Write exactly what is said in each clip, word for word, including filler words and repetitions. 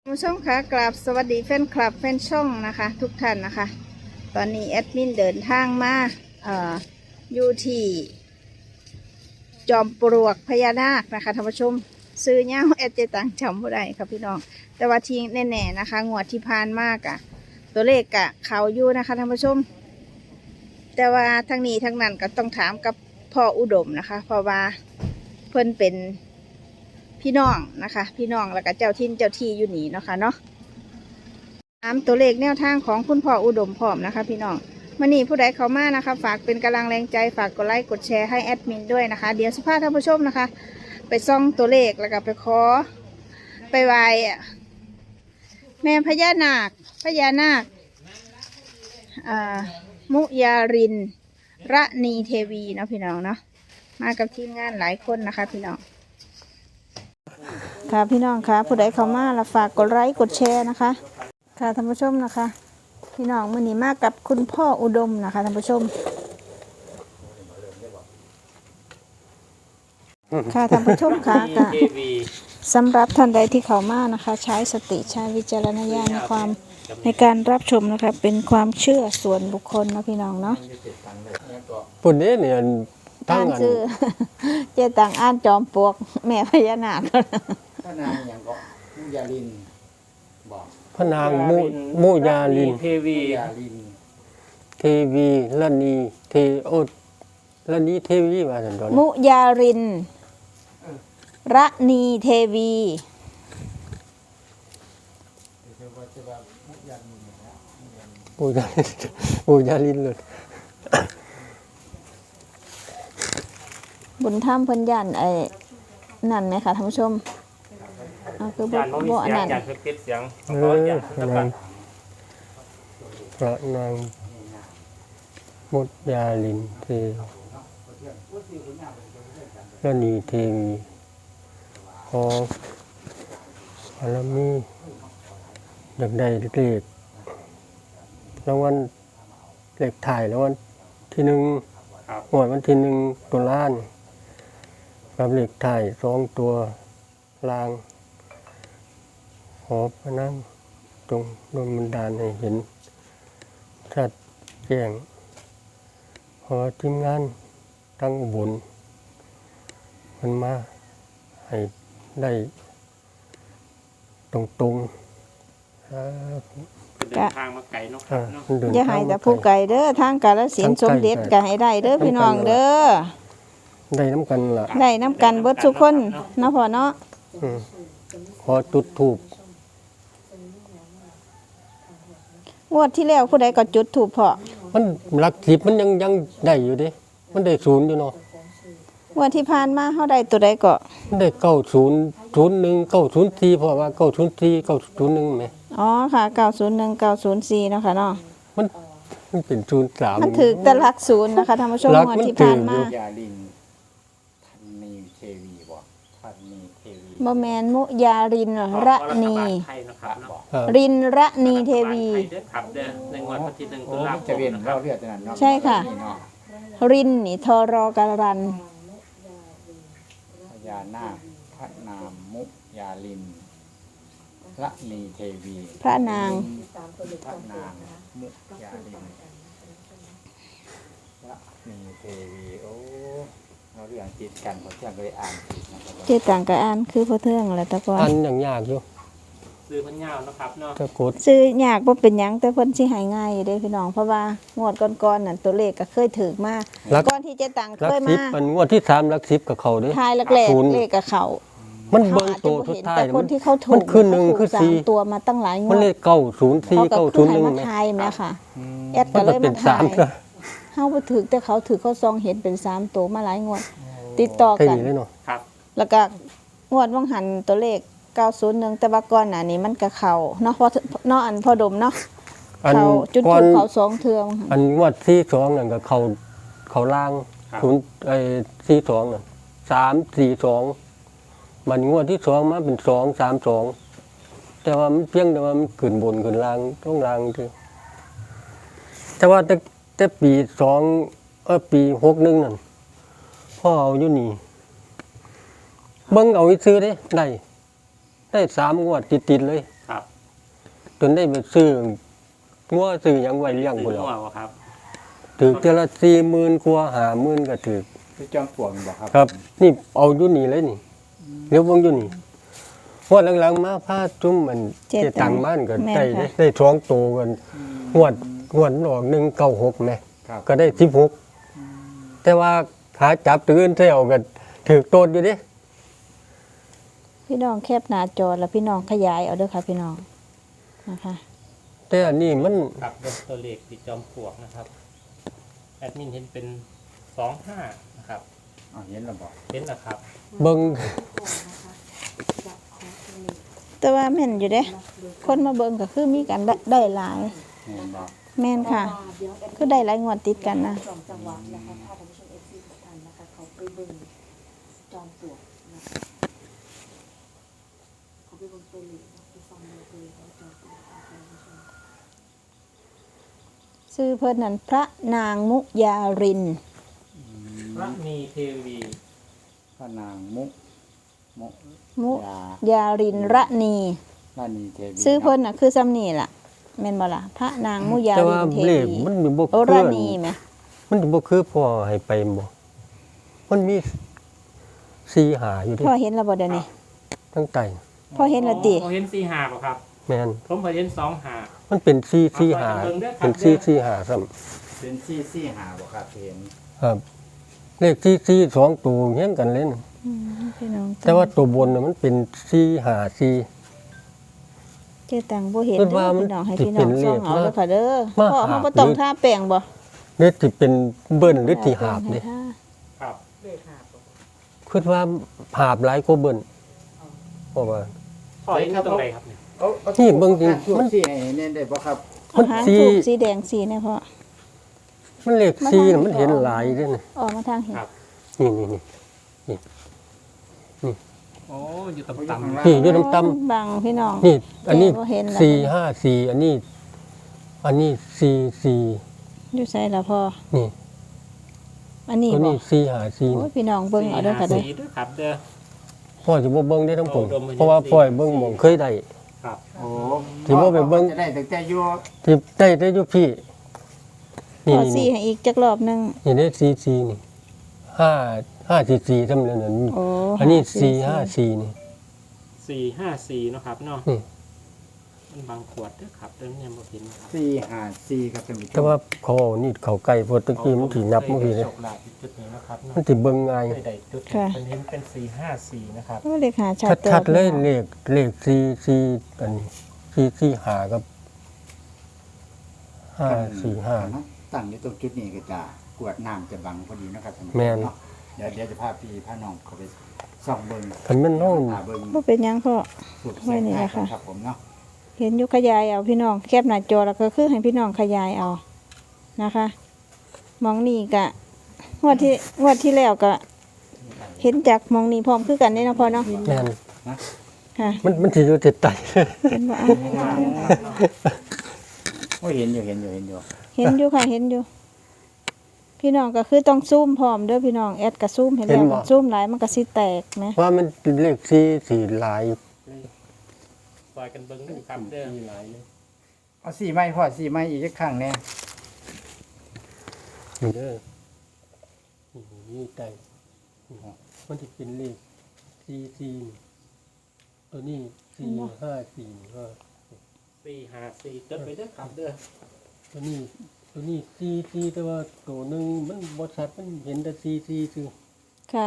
ผู้ชมคะกราบสวัสดีแฟนคลับแฟนช่องนะคะทุกท่านนะคะตอนนี้แอดมินเดินทางมาเอ่ออยู่ที่จอมปลวกพญานาคนะคะท่านผู้ชมซื้อเงี้ยแอดเจตังจำบ่ได้ครับพี่น้องแต่ว่าทีแน่ๆนะคะงวดที่ผ่านมากอะตัวเลขกะเขาอยู่นะคะท่านผู้ชมแต่ว่าทั้งนี้ทั้งนั้นก็ต้องถามกับพ่ออุดมนะคะเพราะว่าเพิ่นเป็นพี่น้องนะคะพี่น้องแล้วก็เจ้าทินเจ้าที่อยู่นี่เนาะค่ะเนาะตามตัวเลขแนวทางของคุณพ่ออุดมพร้อมนะคะพี่น้องมื่อนี้ผู้ใดเข้ามานะคะฝากเป็นกำลังแรงใจฝากกดไลค์กดแชร์ให้แอดมินด้วยนะคะเดี๋ยวสุภาพท่านผู้ชมนะคะไปซ่องตัวเลขแล้วก็ไปขอไปไหว้แม่พญานาคพญานาคมุยารินระนีเทวีเนาะพี่น้องเนาะมากับทีมงานหลายคนนะคะพี่น้องค่ะพี่น้องค่ะผู้ใดเข้ามาแล้วฝากกดไลค์กดแชร์นะคะค่ะท่านผู้ชมนะคะพี่น้องมื้อนี้มากับคุณพ่ออุดมนะคะท่านผู้ชมค่ะท่านผู้ชมค่ะค่ะสำหรับท่านใดที่เข้ามานะคะใช้สติใช้วิจารณญาณในความในการรับชมนะคะเป็นความเชื่อส่วนบุคคลนะพี่น้องเนาะปุ่นนี้เนี่ยอ่านชื่อเจตังอ่านจอมปลวกแม่พญานาคพระนางอย่างก็มุยาลินบอกพระนางมุมุยาลินเทวีเทวีละนีเทโอละนีเทวีว่าสันดอนมุยาลินระนีเทวีมุยาลินมุยาลินเลยบุญธรรมเพิ่นยันไอ้นั่นไหมคะท่านผู้ชมอ่าคือบ่บ่อันนั้นเสียงเออนางพระนางมุยาลินเทละนีเทวีขอพระมีอยากได้เลขรางวัลเลขถ่ายรางวัลที่หนึ่งหวยวันที่หนึ่งตัวล้านกับเลขถ่ายสองตัวลางขอพระนั่งจงโดนบันดาลให้เห็นชัดแจ้งขอทีมงานตั้งบุญมันมาให้ได้ตรงตรงเดินทางมาไกลเนาะครับเนาะอย่าให้แต่ผู้ไกลเด้อทางกาฬสินธุ์สมเด็จก็ให้ได้เด้อพี่น้องเด้อได้น้ำกันล่ะได้น้ำกันเบิดทุกคนเนาะพ่อเนาะขอจุดธูปงวดที่แล้วผู้ใดก็จุดธูปพ่อมันหลักสิบมันยังยังได้อยู่ดิมันได้ศูนย์อยู่เนาะงวดที่ผ่านมาเฮาได้ตัวใดก็มันได้เก้าศูนย์ศูนย์หนึ่งเก้าศูนย์สี่เพราะว่าเก้าศูนย์สี่เก้าศูนย์หนึ่งไหมอ๋อค่ะเก้าศูนย์หนึ่งเก้าศูนย์สี่เนาะค่ะเนาะมันมันเป็นศูนย์สามมันถือแต่หลักศูนย์นะคะท่านผู้ชมงวดที่ผ่านมายาลินทันนีเทวีบอกทันนีเทวีบ่แม่นมุยารินระนีรินระนีเทวีในงวดวันที่หนึ่งตุลาคมจะเวียนเราเรียกจะนั้นเนาะใช่ค่ะรินนี่ทรการันพญานาคพระนามมุยาลินระนีเทวีพระนางพระนางมุยาลินระนีเทวีโอ้เราเรียนจิตกันพอเที่ยงก็ได้อ่านจิตนะครับเจต่างกับอ่านคือพอเทื่องอะไรตะกอนอ่านอย่างยากอยู่ซื้อพันยาวนะครับเนาะตะกดซื้อยากบ่เป็นหยังแต่เพิ่นสิหายง่ายอยู่เด้พี่น้องเพราะว่างวดก่อนๆนั่นตัวเลขก็เคยถูกมาก่อนที่เจต่างเคยมามันงวดที่สามหลักสิบกับเขาเด้ทายแรกๆเลขกับเขามันเบิ่งโตทุกท้ายแต่คนที่เขาถูกมันคือหนึ่งคือสี่ตัวมาตั้งหลายงวดมันเลขเก้าศูนย์สี่เก้าศูนย์หนึ่งมาทายแม่ค่ะแอดก็เลยมาทายเฮาบ่ถูกแต่เขาถือเขาซองเห็นเป็นสามตัวมาหลายงวดติดต่อกันครับแล้วก็งวดว่างหันตัวเลขเก้าศูนย์หนึ่งแต่ว่าก่อนหน้านี้มันก็เข้าเนาะพอเนาะอันพอดมเนาะเขาจุดถูกเขาสองเทื่ออันงวดที่สองนั่นก็เขาเขาล่างศูนย์ไอ้ที่สองนั่นสามสี่สองมันงวดที่สองมาเป็นสองสามสองแต่ว่ามันเพียงแต่ว่ามันขึ้นบนขึ้นล่างต้องล่างคือแต่ว่าแต่แต่ปีสองเออปีหกหนึ่งนั่นพ่อเอาอยู่นี่เบิ้งเอาซื้อได้ได้ได้สามงวดติดๆเลยครับจนได้ไปซื้องัวซื้อหยังไว้เลี้ยงซื้พุ่นอแล้วหัวบ่ครับถือเทื่อละสี่หมื่นกว่าห้าหมื่นก็ถือคือจอมปลวกบอกครับครับ นี่เอาอยู่นี่เลยนี่เดี๋ยวเบิ่งอยู่นี่งวดหลังๆมาพาจุ่มมันเจ็ดเจตังบ้านก็แม่นได้ค่ะได้ท้องโตกันงวดงวดมันออกหนึ่งเก้าหกแม่ครับก็ได้สิบหกแต่ว่าขาจับตื่นเที่ยวกันถือโตดอยู่เดิพี่น้องแคบหน้าจอแล้วพี่น้องขยายเอาเด้อค่ะพี่น้องนะคะแต่อันนี้มันครับเบิ่งตัวเลขที่จอมปลวกนะครับ แอดมินเห็นเป็นสองห้านะครับอ๋อเห็นแล้วบอกเห็นนะครับเบิ่งแต่ว่าแม่นอยู่เด้คนมาเบิ่งก็คือมีกันได้ได้หลายเห็นบอกแม่นค่ะ คือได้หลายงวดติดกันนะสองจังหวัดนะคะถ้าท่านผู้ชมเอฟซีทุกท่านนะคะเขาไปเบิ่งจอมปลวกนะคะเขาไปเบิ่งตัวเลขนะไปฟังตัวเลขของจอมปลวกนะคะท่านผู้ชมชื่อเพิ่นนั่นพระนางมุยารินพระมีเทวีพระนางมุมุมุยายารินระนีรานีเทวีชื่อเพิ่นน่ะคือซ้ำนี่ล่ะแม่นบ่ล่ะพระนางมุยาแต่ริว่านเทเลขวีมันมีบ่โอคืราอนีไหมมันสิบ่คือพ่อให้ไปบ่มันมีสี่หาอยู่เดิพ่อเห็นแล้วบ่เดี๋ยวนี้ทั้งไตพ่อเห็นแล้วติอ๋อเห็นสี่ห้าบ่ครับแม่นผมเคยเห็นสองห้ามันเป็นสี่สี่หาเอาไปเบิ่งเด้อครับเป็นสี่สี่หาซ้ำเป็นซี่ซี่หาบอกครับเห็นครับ เลขสี่สี่สองตัวเฮียงกันเลยนะอืมพี่น้องแต่ว่าตัวบนน่ะมันเป็นสี่หาสี่เจ๊ตังบ่เห็นเพิ่เด้นว่าอมันพี่น้องให้สิพี่น้เป็องนเลส่อขงเอามาเด้อค่ะเด้อมาพ่อหาเฮาบ่ต้องหรือทาแป้งบ่เลขสิเป็นเบิ้ลหรือที่หาบเด้ครับคิดว่าหาบหลายกว่าเบิ้ลเพราะว่าพ่อเห็นตรงไหนครับเนี่ยเอาเอานี่เบิ่งจริงช่วมันซี่ให้เน้นได้บ่ครับมันหางสีถูกสีแดงสีเนี่ยพ่อมันเลขสี่น่ะมันเห็นหลายเด้นะออกมาทางเห็นครับนี่นี่นี่โอ้อยู่เขาอยู่ต่ำข้างๆล่างนี่อยู่ต่ำบังพี่น้องๆนี่ อันนี้แกบ่เห็นแล้วสี่ห้าสี่อันนี้ อันนี้สี่สี่อยู่ไสล่ะพ่อนี่อันนี้ตัวบ่นี้สี่หาสี่โอ้ยพี่น้องเบิ่งเอาเด้อค่ะเด้อสี่ด้วยครับเด้อพ่อสิบ่เบิ่งได้ทั้งผมโอ้ดมมันเพราะว่าสี่พ่อให้เบิ่งหม่องเคยได้ครับโอ้ที่ว่าไปเบิ่งจะได้ตั้งแต่อยู่ที่ได้ได้อยู่พี่ นี่พ่อนี่สีนี่ให้อีกจักรอบหนึงนี่ได้สี่สี่นี่ห้าห้าสี่สี่ทำเลยนั่นโอ้อันนี้สี่ห้าสี่นี่สี่ห้าสี่เนาะครับเนาะนี่มันบางขวดเด้อครับเด้อเนี่ยบ่เห็นครับซี่หาซี่ครับท่านผู้ชมแต่ว่าเขาเอานี่เขาไก่พอตะกี้มันสินับเมื่อกี้เลยโชคลาภที่จุดนี้นะครับเนาะมันสิเบิ่งง่ายได้ๆจุดเป็นเห็นเป็นสี่ห้าสี่นะครับโอ้เลขหาชัดเติบชัดๆเลยพี่น้องเลขเลขสี่สี่อันนี้สี่สี่หากับห้าสี่ห้าเนาะตั้งอยู่ตรงจุดนี้ก็จะกวดน้ำจะบังพอดีเนาะครับท่านผู้ชแม่นเนาะเดี๋ยวเดี๋ยวจะพาพี่พาน้องเข้าไปส่องเบิ่งคันแม่นเฮาหาเบิ่งบ่เป็นหยังพ่อสุดไว้นี่แหละค่ะครับผมเนาะเห็นอยู่ขยายเอาพี่น้องแคบหน้าจอแล้วก็คือให้พี่น้องขยายเอานะคะมองนี่กะงวดที่งวดที่แล้วก็เห็นจากมองนี่พร้อมคือกันนี่เนาะพ่อเนาะแม่นค่ะมันมันสิอยู่ติดไตเห็นบ่อ่ะโอ้ยเห็นอยู่เห็นอยู่เห็นอยู่เห็นอยู่ค่ะเห็นอยู่ พี่น้องก็คือต้องซูมพร้อมเด้อพี่น้องแอดก็ซูมเห็นแล้วซูมหลายมันก็สิแตกนะว่ามันเลขสี่สี่หลายซอยกันเบิ่งเด้อครับเด้อหลายเลยเอาซี่ไม้พ่อซี่ไม้อีกสักครั้งแน่นี่เด้อนี่นี่ไตนี่มันจะเป็นเลขสี่สี่ตัวนี้สี่ห้าสี่ก็สี่ห้าสี่จดไปเด้อครับเด้อตัวนี้ตัวนี้สี่สี่แต่ว่าตัวหนึงมันบ่ชัดมันเห็นแต่สี่สี่คือค่ะ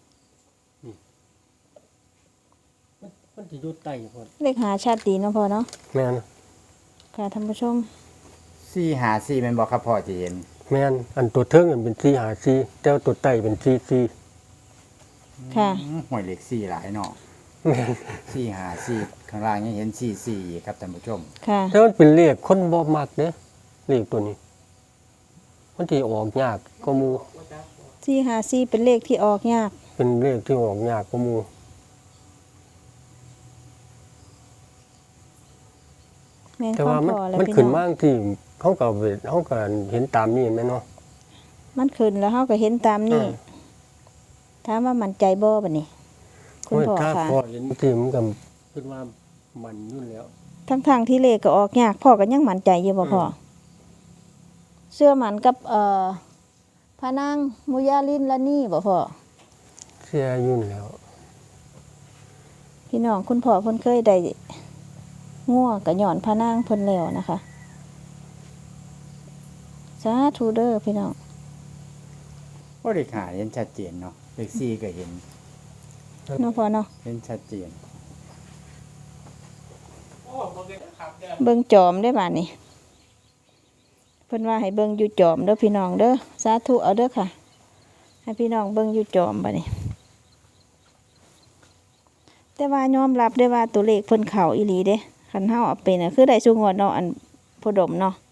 มันมันสิอยู่ใต้พอดเลขหาชัดดีเนาะพ่อเนาะแม่นค่ะท่านผู้ชมซี่หาซี่แมันบอกครับพ่อจะเห็นแม่นอันตัวเทิงอันเป็นสี่หาสี่แต่ว่าตัวใต้เป็นสี่สี่ค่ะอืมหวยเหล็กซี่หลายเนาะแม่นซี่หาซี่ข้างล่างยังเห็นซี่ซี่อีกครับท่านผู้ชมค่ะแต่มันเป็นเลขคนบ่มักเด้เลขตัวนี้ มันสิออกยากก็มูสี่หาสี่เป็นเลขที่ออกยากเป็นเลขที่ออกยากก็มูแม่นแต่ควาว่าม มันพอแล้วมันพี่ขึ้นน้องมาที่เขาก็เวเขาก็เห็นตามนี้แม่นเนาะมันขึ้นแล้วเฮาก็เห็นตามนี่อ่าถามว่ามั่นใจบ่บัดนี้ คุณโอ้ยพ่อถ้าค่ะพอเห็นที่มันก็คิดว่ามันอยู่แล้วทั้งทางๆที่เลขก็ออกยากพ่อก็ยังมั่นใจอยู่บ่พ่อเชื่อมันกับเอ่อพระนางมุยาลินละนี่บ่พ่อเสียยุ่นแล้วพี่น้องคุณพ่อเพิ่นเคยได้งัวกับหย่อนพระนางเพิ่นแล้วนะคะสาธุเด้อพี่น้องก็เลขหาเห็นชัดเจนเนาะเลขสี่ก็เห็นเนาะพ่อเนาะเห็นชัดเจนโอ้โหครับเด้อเบิ่งจอมได้บาดนี้เพิ่นว่าให้เบิ่งอยู่จอมเด้อพี่น้องเด้อสาธุเอาเด้อค่ะ ให้พี่น้องเบิ่งอยู่จอมบัดนี้ แต่ว่ายอมรับได้ว่าตัวเลขเพิ่นเข้าอีหลีเด้คันเฮาเอาเป็นน่ะคือได้สุงวดเนาะอันพอดมเนาะ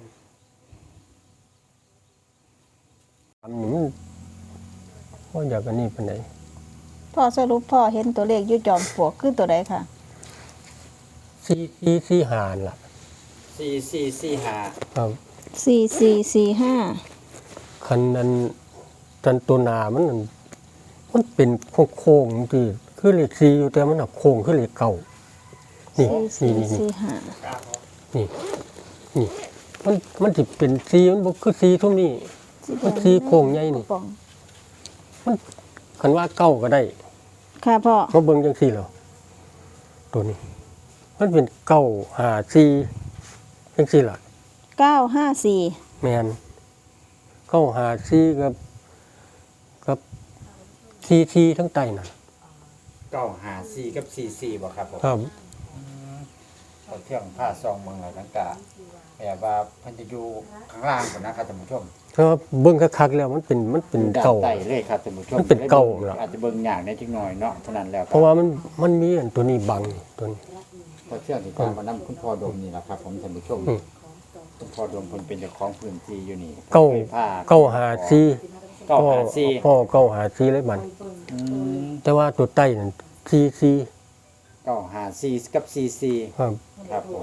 อันนี้มันว่าอยากอันนี้เป็นไหนพ่อสรุปพ่อเห็นตัวเลขอยู่จอมปลวกคือตัวใดค่ะสี่สี่สี่หานล่ะสี่สี่สี่หาครับสี่สี่สี่ห้าคันนั้นจันตัวหนามันนั่นมันเป็นโค้งๆที่คือเลขสี่อยู่แต่มันน่ะโค้งคือเลขเก่านี่สี่นี่สี่นี่สี่ห้านี่นี่มันมันสิเป็นสี่มันบ่คือสี่ทุ่มนี่ มันสี่โค้งใหญ่นี่ป่องคันว่าเก้าก็ได้ค่ะพ่อมาเบิ่งจังซี่แล้วตัวนี้ มันเป็นเก้าหาสี่จังซี่ล่ะเก้าห้าสี่แมนเก้าหาสี่กับกับสี่สี่ทั้งใต้น่ะเก้าหาสี่กับสี่สี่บ่ครับผมครับเอาเที่ยงผ้าซองเมืองอะไรต่างกาแบบว่าเพันจะอยู่ข้างล่างก่อนนะครับท่านผู้ชมถ้าเบิ่งคักๆแล้วมันเป็นมันเป็นด้านเก่าใต้เลยครับท่านผู้ชมมันเป็นเก่าเหรออาจจะเบิ่งอย่างได้จักหน่อยเนาะเท่านั้นแล้วเพราะว่ามันมันมีอันตัวนี้บังนี่ตัวนี้เพราะเที่ยงที่ตามมานํคุณพ่อดมนี่แหละครับผมท่านผู้ชมอืมคุณพ่อดมเพิ่นเป็นเจ้าของพื้นที่อยู่นี่เก้าคยพเก้าหาสี่เก้าหาสี่พ่อเก้าหาสี่เลยมันอืมแต่ว่าตัวใต้นั่นสี่สี่เก้าหาสี่กับสี่สี่ครับครับผม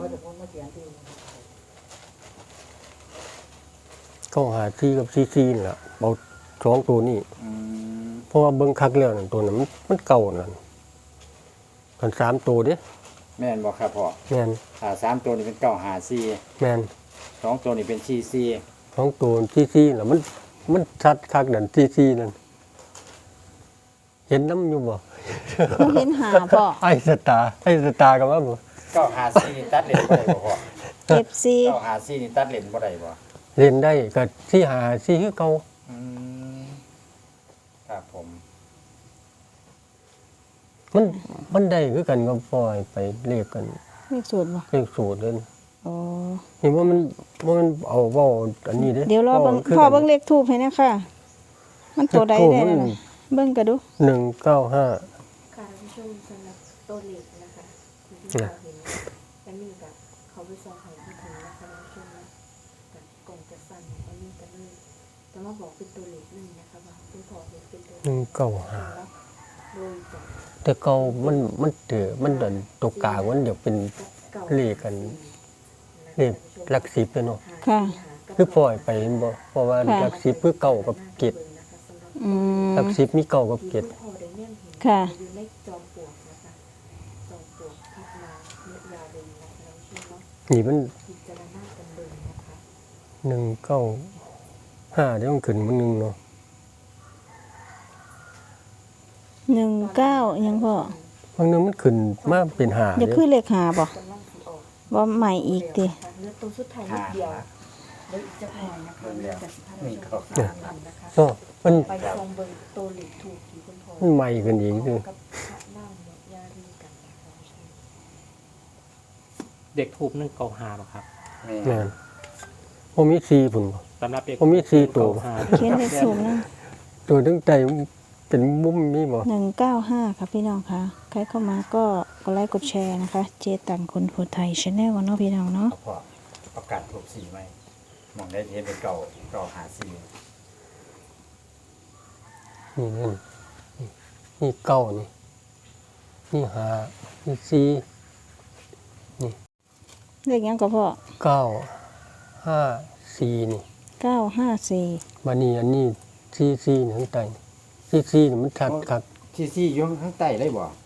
เก้าหาสี่กับสี่สี่นี่ล่ะเอาสองตัวนี้อืมเพราะว่าเบิ่งคักแล้วนั่นตัวนั้นมันมันเก่านั่นกันสามตัวเด้แม่นบ่ครับพ่อแม่นถ้าสามตัวนี้เป็นเก้าหาสี่แม่นสองตัวนี้เป็นสี่สี่สองตัวซี่ซี่น่ะมันมันชัดคักนั่นซี่ซี่นั่นเห็นน้ำอยู่บ่เราเห็นหาพ่อไอ้สตาร์ไอ้สตาร์กับว่าบ่เก้าหาสี่นี่ตัดเลนบ่ได้บ่พ่อเก็บซีเก้าหาสี่นี่ตัดเลนบ่ได้บ่เล่นได้ก็ซี่หาซี่คือเก่าอืมครับผมมันมันได้คือกันก็ปล่อยไปเรียกกันเลขสูตรบ่เรียกสูตรเลยอ๋อเห็นว่ามันว่ามันเอาเว้าอันนี้เด้เดี๋ยวรอเบิ่งว้าคือพ่อกันเบิ่งเลขทูบให้นะค่ะ มันตัวใดได้นั่นน่ะเบิ่งก็ดูหนึ่งเก้าห้าค่ะท่านผู้ชมสำหรับตัวเลขนะคะที่พี่เราเห็นอันนี้กับเขาไปซองไห้ที่ถึงนะคะท่านผู้ชมนะกับกล่องจะสั่นอันนี้กันเลยแต่ว่าบอกเป็นตัวเลขหนึ่งนะคะว่าคุณพ่อเห็นเป็นตัวเลหนึ่งขเก้าห้าแล้วโดยจากแต่เก่ามันมันเดือมันดันตัวกลางมันเดี๋ยวเป็นเก่าเลขกันเลขหลักสิบเลยเนาะค่ะคือปล่อยไปเห็นบ่เพราะว่าค่ะหลักสิบคือเก่ากับเกตอืมหลักสิบมีเก่ากับเกตคุณพ่อได้แนมเห็นค่ะอยู่ในจอมปลวกนะคะจอมปลวกพัฒนาเนื้อยาเดินนะคะท่านผู้ชมเนาะนี่มันพิจารณากันเลยนะคะหนึ่งเก้าห้าเดี๋ยวมันขึ้นมันหนึ่งเนาะหนึ่งเก้ายังพ่อบางนึงมันขึ้นมาเป็นหาอย่าเด้คือเลขหาบ่กำลังสิออกบ่ใหม่อีกติเนื้อตัวสุดท้ายนิดเดียวเดี๋ยวอีกจะหน่อยนะคะเนื้อจากสิบห้านี่ครับนาทีนะคะเนาะมันไปซองเบอร์ตัวเหล็กถูกที่คุณพ่อมันใหม่ขึ้นอีกคือกับพระนั่งเนี่ยยาดีกันนะคะเด็กทูบนึ่งเกาหาบ่ครับแม่นผมมีสี่พุ่นบ่สำหรับเด็กผมมีสี่ตัวเก้าหาเขียนเลขสูงนะตัวตั้งใจเป็นมุมมีบ่หนึ่งเก้าห้าค่ะพี่น้องค่ะใครเข้ามาก็กดไลค์กดแชร์นะคะ เจตังคนโพไทยชาแนลเนาะพี่น้องเนาะเอาพ่อประกาศถูกสีไหมมองได้เทปเป็นเก่าเก่าหาสีนี่นั่นนี่นี่เก้านี่นี่หานี่สี่เลขยังก็พ่อเก้าห้าสี่นี่เก้าห้าสี่บัดนี้อันนี้สี่สี่นี่ข้างใต้สี่สี่นี่มันชัดคักที่ซี่อยู่ข้างใต้เลยบ่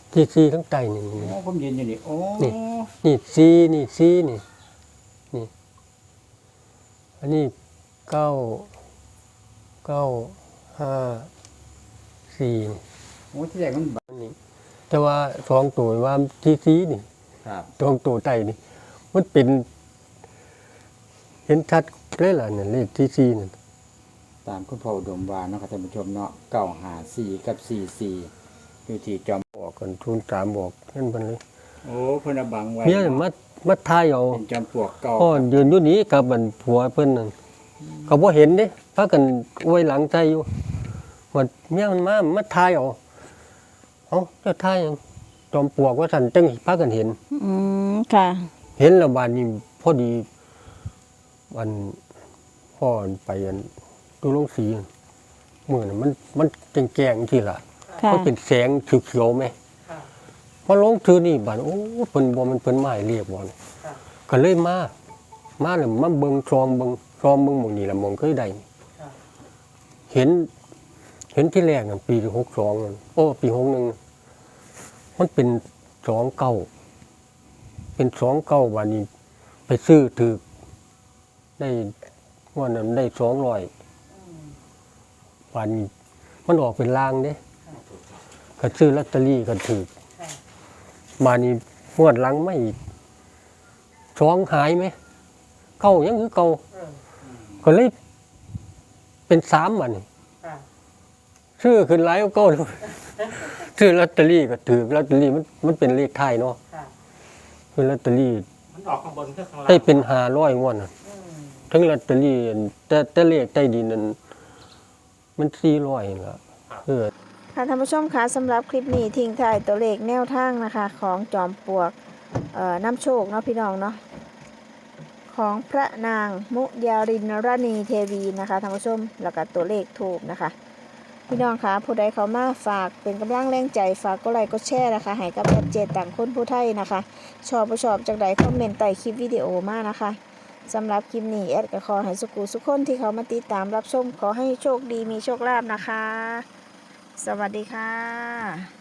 ที่ซีทั้งใต้นี่โอ้ผมยืนอยู่นี่โอ้นี่ นี่ซีนี่ซีนี่นี่อันนี้เก้าเก้าห้าสี่นี่โอ้ที่แรกมันบักอันนี้แต่ว่าสองตัวว่าที่ซีนี่ครับสองตัวใต้นี่มันเป็น เห็นชัดเลยล่ะเนี่ยเลขที่ซีนี่ตามคุณพ่ออุดมวาเนาะครับท่านผู้ชมเนาะเก้าห้าสี่กับสี่สี่อยู่ที่จอมบอกกันทุนสามบอกนั่นมันเลยโอ้เพิ่นเอาบังไว้เนี่ยมามาทายเอาเป็นจอมปลวกเก่าพ่อยืนอยู่นี้กับมันผัวเพิ่นนั่นเขาบ่เห็นเด้พากันอวยหลังใจอยู่ว่าเมียมันมามาทายเอาเอ้าเจ้าทายหยังจอมปลวกว่าสั่นจังพากันเห็นอืมค่ะเห็นแล้วบาดนี้พอดีวันพ่อไปอันดูโรงสีมื้อนั้นมันมันแจ้งๆที่ล่ะค่ะมันเป็นแสงเขียวๆไหมพอลงถือนี่บาดโอ้เพิ่นบ่มันเพิ่นมาให้เรียกบ่ก็เลยมา มาแล้วมาเบิ่งซองเบิ่งซองเบิ่งหม่องนี้ล่ะหม่องเคยได้นี่เห็น เห็นที่แรกนั่นปีหกสองนั่นโอ้ปีหกหนึ่งมันเป็นสองเก้าเป็นสองเก้าบาดนี้ ไปซื้อถูกได้งวดนั้นได้สองร้อยบาดนี้ มันออกเป็นลางเด้ก็ซื้อลอตเตอรี่ก็ถูกบาดนี้งวดหลังไม่สองหายไหมเก่ายังคือเก่าก็เลยเป็นสามบาดนี้ซื้อขึ้นหลายกว่าเก่าเลยซื้อลอตเตอรี่ก็ถูกลอตเตอรี่มันมันเป็นเลขไทายเนาะคือลอตเตอรี่มันออกข้างบนก็ข้างล่างได้เป็นห้าร้อยงวดน่ะทั้งลอตเตอรี่อันแต่แต่เลขใต้ดินนั้นมันสี่ร้อยล่ะเออค่ะท่านผู้ชมคะสำหรับคลิปนี้ทิ้งท้ายตัวเลขแนวทางนะคะ ของจอมปลวกเอ่อน้ำโชคเนาะพี่น้องเนาะของพระนางมุยารินราณีเทวีนะคะท่านผู้ชมแล้วก็ตัวเลขถูกนะคะ พี่น้องคะผู้ใดเขามาฝากเป็นกำลังแรงใจฝากก็ไลค์ก็แชร์นะคะให้กับแอดเจตต่างคนผู้ไทยนะคะ ชอบผู้ชอบจากใดคอมเมนต์ใต้คลิปวิดีโอมานะคะสำหรับคลิปนี้แอดก็ขอให้สุขุสุขคนที่เขามาติดตามรับชมขอให้โชคดีมีโชคลาภนะคะ สวัสดีค่ะ